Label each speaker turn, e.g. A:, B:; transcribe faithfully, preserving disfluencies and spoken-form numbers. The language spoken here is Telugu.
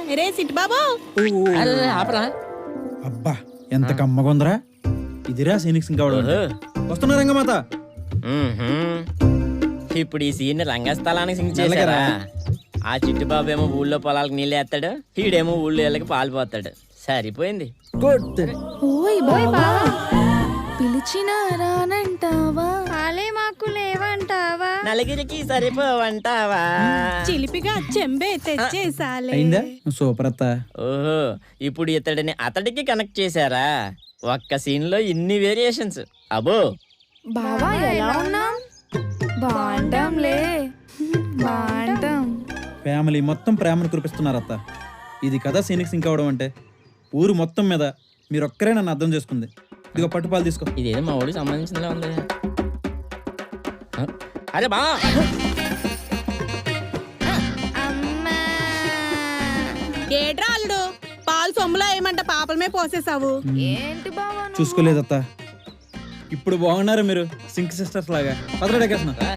A: రే సిట్ బాబు
B: అరే ఆపరా.
C: అబ్బా ఎంత కమ్మగుందరా. ఇదిరా సీనిక్స్ ఇంకా వస్తున్నా రంగమాత.
B: మ్మ్హ్మ్. ఇప్పుడు ఈ సీన్ రంగస్థలానికి సింగ్ చేశారా? ఆ చిట్టుబాబు ఏమో ఊళ్ళో పొలాలకు నీళ్ళు వేస్తాడు, ఈడేమో ఊళ్ళో వెళ్ళకి పాలు పోతాడు. సరిపోయింది.
D: ఓయ్ బావా పిలిచినా రానంటావా?
E: పాలే మాకు లేవంటావా?
B: నలుగురికి సరిపోవంటావా?
A: చిలిపిగా చెంబే తెచ్చేసాలే.
C: అయిందా సూపర్ అత్త.
B: ఓహో, ఇప్పుడు ఇతడిని అతడికి కనెక్ట్ చేశారా? ఒక్క సీన్ లో ఇన్ని వేరియేషన్స్. అబో
D: బావా ఎలా ఉన్నాం? బాంటాంలే బాంటాం.
C: ఫ్యామిలీ మొత్తం ప్రేమను కురిపిస్తున్నారు అత్త. ఇది కదా సీనిక్స్ ఇంకా అవడం అంటే. ఊరు మొత్తం మీద మీరు ఒక్కరే నన్ను అర్థం చేసుకుంది. ఇదిగో పట్టుపాలు తీసుకో.
B: ఇదేదో మా ఊడికి సంబంధించిందిలా ఉంది. అరే బా
A: ఏట్రా అల్లుడు పాలు సొమ్ములో ఏమంట పాపలమే పోసేసావు.
D: ఏంటి బావా
C: చూసుకోలేదత్త. ఇప్పుడు బాగున్నారు మీరు సింక్ సిస్టర్స్ లాగా. పదరా డెకేషన్.